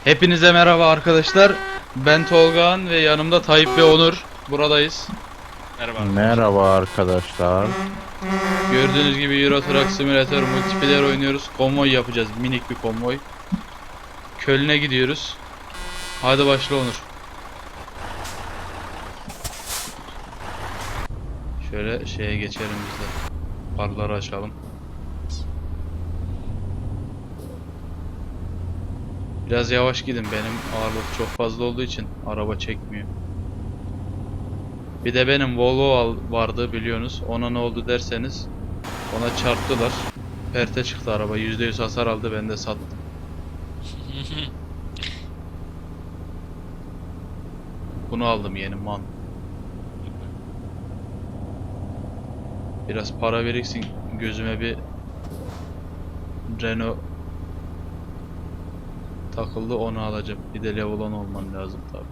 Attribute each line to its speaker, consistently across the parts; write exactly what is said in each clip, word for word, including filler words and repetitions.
Speaker 1: Hepinize merhaba arkadaşlar. Ben Tolgahan ve yanımda Tayyip ve Onur. Buradayız.
Speaker 2: Merhaba arkadaşlar.
Speaker 3: Merhaba arkadaşlar.
Speaker 1: Gördüğünüz gibi Euro Truck Simulator multiplayer oynuyoruz. Konvoy yapacağız. Minik bir konvoy. Köln'e gidiyoruz. Hadi başla Onur. Şöyle şeye geçelim biz de. Farları açalım. Biraz yavaş gidin, benim ağırlık çok fazla olduğu için araba çekmiyor. Bir de benim Volvo vardı biliyorsunuz. Ona ne oldu derseniz, ona çarptılar. Perte çıktı araba. yüzde yüz hasar aldı, ben de sattım. Bunu aldım yeni man. Biraz para biriksin, gözüme bir Renault takıldı, onu alacağım. Bir de level on olman lazım tabi.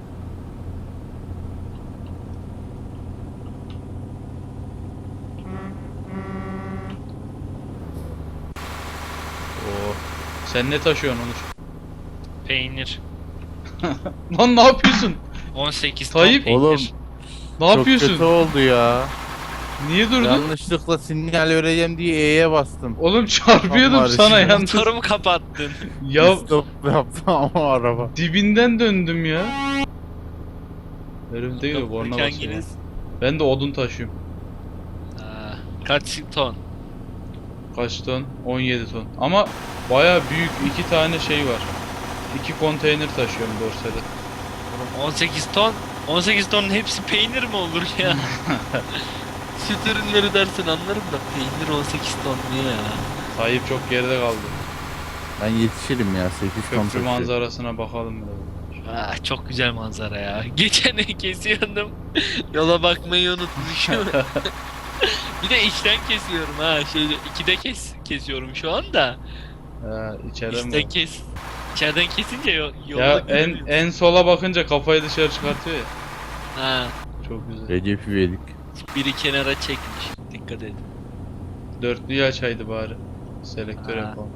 Speaker 1: Oo. Sen ne taşıyorsun Onur?
Speaker 2: Peynir.
Speaker 1: Lan ne yapıyorsun?
Speaker 2: on sekiz ton
Speaker 1: Tayyip.
Speaker 2: peynir.
Speaker 3: Oğlum
Speaker 1: Ne
Speaker 3: çok
Speaker 1: yapıyorsun?
Speaker 3: kötü oldu ya.
Speaker 1: Niye durdun?
Speaker 3: Yanlışlıkla sinyal vereceğim diye E'ye bastım.
Speaker 1: Oğlum çarpıyordum
Speaker 3: Aman
Speaker 1: sana
Speaker 3: Allah'ım.
Speaker 1: yalnız.
Speaker 2: Motorumu kapattın.
Speaker 1: Ya
Speaker 3: Stop yaptım ama araba.
Speaker 1: dibinden döndüm ya. Herif değil mi? Borna basıyor.
Speaker 2: Hanginiz?
Speaker 1: Ben de odun taşıyorum.
Speaker 2: Aa, kaç ton?
Speaker 1: Kaç ton? on yedi ton. Ama baya büyük iki tane şey var. İki konteyner taşıyorum dorsede.
Speaker 2: Oğlum on sekiz ton. on sekiz tonun hepsi peynir mi olur ya? Süt ürünleri dersin anlarım da peynir on sekiz ton niye ya?
Speaker 1: Tayyip çok geride kaldı.
Speaker 3: Ben yetişirim ya sekiz ton
Speaker 1: Köprü
Speaker 3: taşıyor.
Speaker 1: manzarasına bakalım biraz.
Speaker 2: Ah, çok güzel manzara ya. Geçen kesiyordum. Yola bakmayı unutmuşum. Bir de içten kesiyorum ha. Şey ikide kes kesiyorum şu anda.
Speaker 1: He, içeriden
Speaker 2: İçten
Speaker 1: mi?
Speaker 2: kes. İçeriden kesince yo yolda
Speaker 1: Ya en
Speaker 2: göremiyorum.
Speaker 1: en sola bakınca kafayı dışarı çıkartıyor ya.
Speaker 2: Ha,
Speaker 1: Çok güzel.
Speaker 3: Recep İvedik.
Speaker 2: biri kenara çekmiş. Dikkat edin.
Speaker 1: Dörtlüyü açaydı bari. Selektör
Speaker 2: Ha.
Speaker 1: yapalım.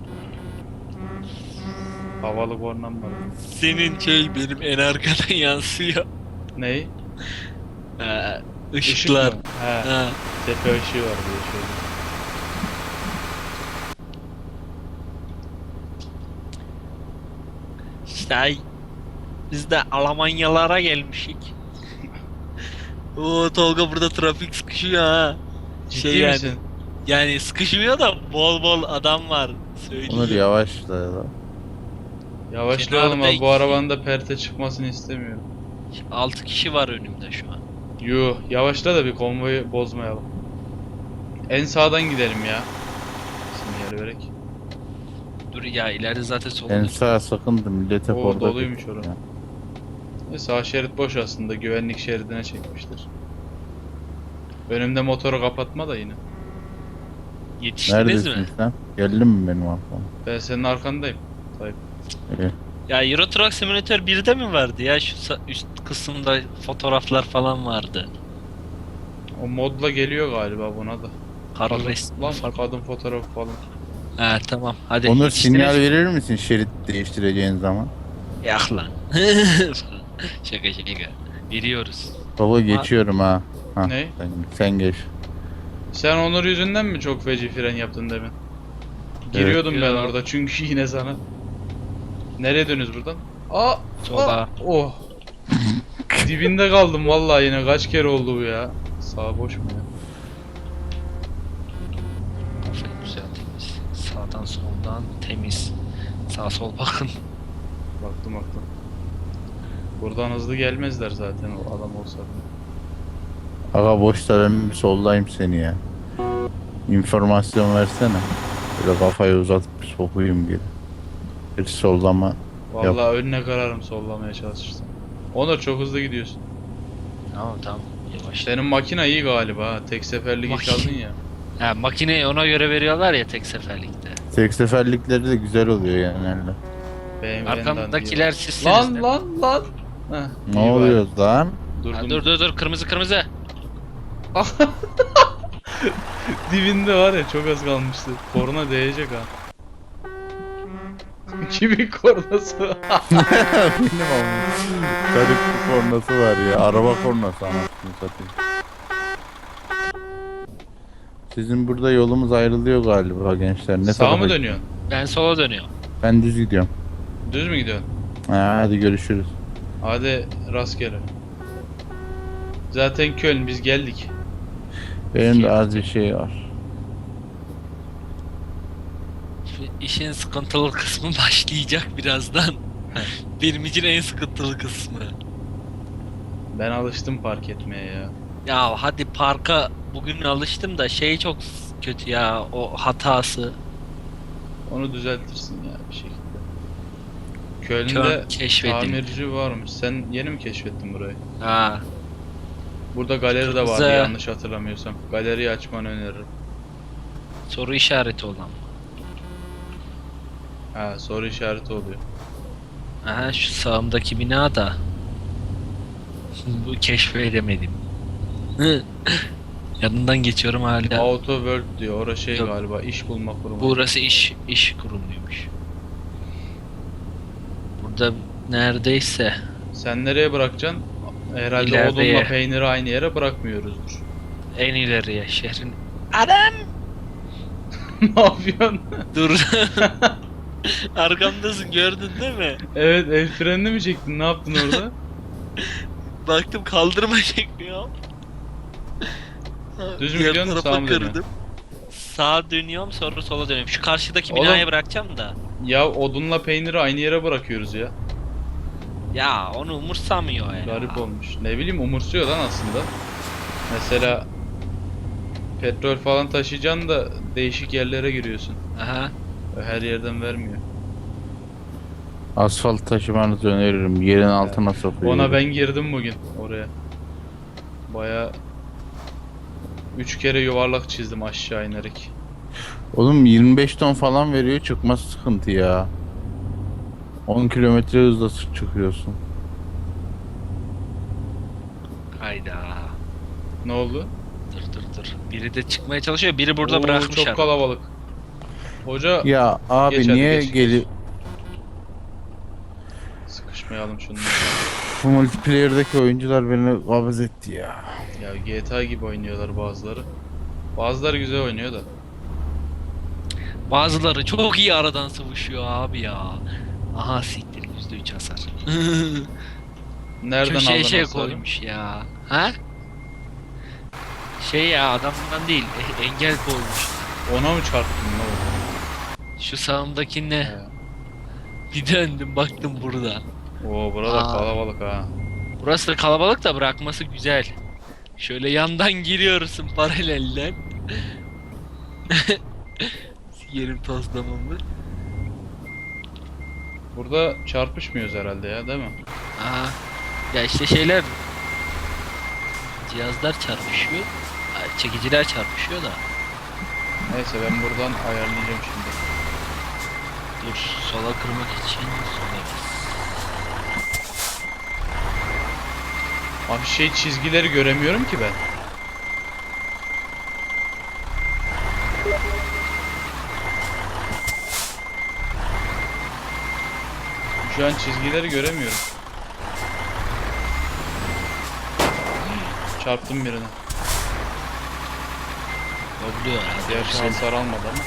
Speaker 1: Havalı kornam var.
Speaker 2: Senin şey benim en arkadan yansıyor.
Speaker 1: Ney?
Speaker 2: Ha,
Speaker 1: Işık
Speaker 2: ışıklar.
Speaker 1: mı? He.
Speaker 2: Ha.
Speaker 1: Tepe ışığı var diye şöyle.
Speaker 2: İşte ay, biz de Almanyalara gelmişik. Oo Tolga burada trafik sıkışıyor ha.
Speaker 1: Ciddi
Speaker 2: Şey yani,
Speaker 1: misin?
Speaker 2: yani sıkışmıyor da bol bol adam var. Söyleyeyim.
Speaker 3: Onur yavaşla ya.
Speaker 1: Yavaşlayalım
Speaker 2: Kenarda
Speaker 1: abi, bu
Speaker 2: iki-
Speaker 1: arabanın da perte çıkmasını istemiyorum.
Speaker 2: altı kişi var önümde şu an.
Speaker 1: Yuh, yavaşla da bir konvoyu bozmayalım. En sağdan gidelim ya. Sinyal vererek.
Speaker 2: Dur ya ileride zaten solda.
Speaker 3: En sağ sakındı millet hep
Speaker 1: Oo,
Speaker 3: orada.
Speaker 1: doluymuş
Speaker 3: bekliyor
Speaker 1: orası.
Speaker 3: ya.
Speaker 1: E, sağ şerit boş aslında, güvenlik şeridine çekmiştir. Önümde motoru kapatma da yine.
Speaker 2: Yetiştiniz
Speaker 3: Neredesin
Speaker 2: mi?
Speaker 3: sen? Geldin mi benim arkama?
Speaker 1: Ben senin arkandayım. Tayyip.
Speaker 3: İyi.
Speaker 2: Ya Euro Truck Simulator birde mi vardı ya? Şu sa- üst kısımda fotoğraflar falan vardı.
Speaker 1: O modla geliyor galiba buna da.
Speaker 2: Karı
Speaker 1: Kadın,
Speaker 2: resmi
Speaker 1: lan
Speaker 2: falan.
Speaker 1: kadın fotoğrafı falan.
Speaker 2: Ha tamam hadi.
Speaker 3: Onur
Speaker 2: yetiştiniz
Speaker 3: sinyal
Speaker 2: mi?
Speaker 3: verir misin şerit değiştireceğin zaman?
Speaker 2: Yak lan. Şaka şaka. Veriyoruz.
Speaker 3: Baba geçiyorum ha. ha
Speaker 1: Ne?
Speaker 3: Sen, sen geç.
Speaker 1: Sen Onur yüzünden mi çok feci fren yaptın demin? Giriyordum ben
Speaker 2: Yo.
Speaker 1: orada çünkü yine sana. Nereye dönüyoruz buradan? Aa!
Speaker 2: Sola.
Speaker 1: Aa, oh! Dibinde kaldım vallahi, yine kaç kere oldu bu ya. Sağ boş mu ya?
Speaker 2: Aferin güzel temiz. Sağdan soldan temiz. Sağ sol bakın.
Speaker 1: Baktım baktım. Buradan hızlı gelmezler zaten o adam olsa.
Speaker 3: Aga boşta ben bir soldayım seni ya. İnformasyon versene. Böyle kafayı uzatıp bir sokuyum geri. Bir sollama.
Speaker 1: Vallahi önüne kararım sollamaya çalışırsam. Onur çok hızlı gidiyorsun.
Speaker 2: Tamam tamam. Yavaş.
Speaker 1: Senin makina iyi galiba ha. Tek seferlik iş
Speaker 2: Makine-
Speaker 1: aldın ya.
Speaker 2: Ha makineyi ona göre veriyorlar ya tek seferlikte.
Speaker 3: Tek seferlikleri de güzel oluyor yani. öyle.
Speaker 1: B M W'den
Speaker 2: Arkamdakiler sizsiniz
Speaker 1: Lan
Speaker 2: de.
Speaker 1: lan lan. Heh, iyi
Speaker 3: Ne
Speaker 1: bari.
Speaker 3: oluyor lan?
Speaker 1: Durdum.
Speaker 2: Ha, dur dur dur kırmızı kırmızı.
Speaker 1: Dibinde var ya, çok az kalmıştı. Korna değecek ha. Kimin kornası?
Speaker 3: Benim ama. Garip bir kornası var ya. Araba kornası anasını satayım. Sizin burada yolumuz ayrılıyor galiba gençler. Ne
Speaker 1: Sağa
Speaker 3: tarafa
Speaker 1: mı dönüyorsun?
Speaker 2: Ben sola dönüyorum.
Speaker 3: Ben düz gidiyorum.
Speaker 1: Düz mü gidiyorsun?
Speaker 3: Ha, hadi görüşürüz.
Speaker 1: Hadi rastgele. Zaten Köln biz geldik.
Speaker 3: Benim de az bir şey var.
Speaker 2: Şu işin sıkıntılı kısmı başlayacak birazdan. Benim için en sıkıntılı kısmı.
Speaker 1: Ben alıştım park etmeye ya.
Speaker 2: Ya hadi parka bugün alıştım da şey çok kötü ya, o hatası.
Speaker 1: Onu düzeltirsin ya bir şekilde. Köln'de
Speaker 2: Köln keşfedildi.
Speaker 1: tamirci varmış. Sen yeni mi keşfettin burayı?
Speaker 2: Ha.
Speaker 1: Burada galeri de vardı
Speaker 2: Kırmızı.
Speaker 1: yanlış hatırlamıyorsam. Galeriyi açmanı öneririm.
Speaker 2: Soru işareti olan.
Speaker 1: Ha, soru işareti oluyor.
Speaker 2: Aha, şu sağımdaki bina da. Bu keşfedemedim. Yanından geçiyorum hala.
Speaker 1: Auto World diyor. Orası şey
Speaker 2: Yok.
Speaker 1: galiba iş bulma kurumu.
Speaker 2: Burası iş iş kurumuymuş. Burada neredeyse
Speaker 1: Sen nereye bırakacaksın? Herhalde
Speaker 2: İleride
Speaker 1: odunla
Speaker 2: yer.
Speaker 1: peyniri aynı yere bırakmıyoruzdur.
Speaker 2: en ileriye şehrin. Adam
Speaker 1: Ne yapıyorsun?
Speaker 2: dur. Arkamdasın, gördün değil mi?
Speaker 1: Evet, el frenini mi çektin? Ne yaptın orada?
Speaker 2: Baktım kaldırma çekmiyor.
Speaker 1: Düz mü
Speaker 2: Diğer
Speaker 1: gidiyorsun,
Speaker 2: tarafa
Speaker 1: sağa mı dönüyorsun?
Speaker 2: kırdım. Sağa dönüyorum, sonra sola dönüyorum. Şu karşıdaki
Speaker 1: Oğlum.
Speaker 2: binaya bırakacağım da.
Speaker 1: Ya odunla peyniri aynı yere bırakıyoruz ya.
Speaker 2: Ya onu umursamıyor ya.
Speaker 1: Garip olmuş. Ne bileyim umursuyor lan aslında. Mesela petrol falan taşıyacaksın da değişik yerlere giriyorsun.
Speaker 2: Aha.
Speaker 1: Her yerden vermiyor.
Speaker 3: Asfalt taşımanızı öneririm. Yerin altına sokuyor.
Speaker 1: Ona ben girdim bugün oraya. Baya üç kere yuvarlak çizdim aşağı inerek.
Speaker 3: Oğlum yirmi beş ton falan veriyor, çıkması sıkıntı ya. on kilometre hızla sı- çıkıyorsun.
Speaker 2: Hayda.
Speaker 1: Ne oldu?
Speaker 2: Dur dur dur. Biri de çıkmaya çalışıyor. Biri burada
Speaker 1: Oo,
Speaker 2: bırakmış
Speaker 1: çok
Speaker 2: adam.
Speaker 1: kalabalık. Hoca
Speaker 3: Ya abi
Speaker 1: Geç hadi,
Speaker 3: niye
Speaker 1: geç,
Speaker 3: geli
Speaker 1: geç. sıkışmayalım şunları.
Speaker 3: bu multiplayer'daki oyuncular beni kabız etti ya.
Speaker 1: Ya G T A gibi oynuyorlar bazıları. Bazıları güzel oynuyor da.
Speaker 2: Bazıları çok iyi aradan sıvışıyor abi ya. Aha siktir, yüzde üç hasar.
Speaker 1: Nereden
Speaker 2: Köşeye
Speaker 1: aldın
Speaker 2: şey
Speaker 1: hasarı?
Speaker 2: koymuş ya. Ha? Şey ya, adamdan değil, e- engel koymuş.
Speaker 1: Ona mı çarptın ne oldu?
Speaker 2: Şu sağımdakine
Speaker 1: He.
Speaker 2: bir döndüm, baktım burada.
Speaker 1: Oo burada
Speaker 2: Aa.
Speaker 1: kalabalık ha.
Speaker 2: Burası da kalabalık da bırakması güzel. Şöyle yandan giriyorsun paralelden. Yerim tozlamamı.
Speaker 1: Burada çarpışmıyoruz herhalde ya değil mi?
Speaker 2: Aha. Ya işte şeyler, cihazlar çarpışıyor. Ha, çekiciler çarpışıyor da.
Speaker 1: Neyse ben buradan ayarlayacağım şimdi.
Speaker 2: Dur, sola kırmak için sola bas.
Speaker 1: Abi şey çizgileri göremiyorum ki ben. Şu an çizgileri göremiyorum. Çarptım birine.
Speaker 2: Oluyor ya.
Speaker 1: Diğer
Speaker 2: güzel.
Speaker 1: şanslar almadı ama.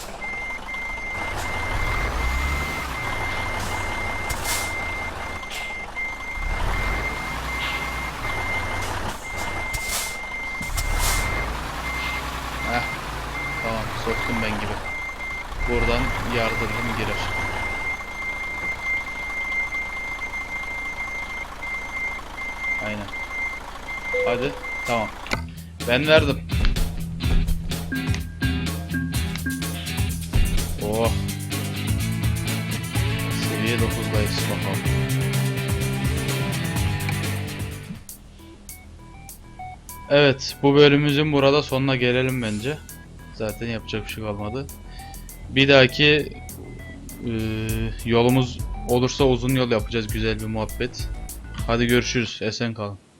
Speaker 1: Heh. Tamam soktum ben gibi. Buradan yardırdım girer. Aynen. Hadi. Tamam. Ben verdim. Oh. Seviye dokuzdayız bakalım. Evet, bu bölümümüzün burada sonuna gelelim bence. Zaten yapacak bir şey kalmadı. Bir dahaki e, yolumuz olursa uzun yol yapacağız, güzel bir muhabbet. Hadi görüşürüz, esen kalın.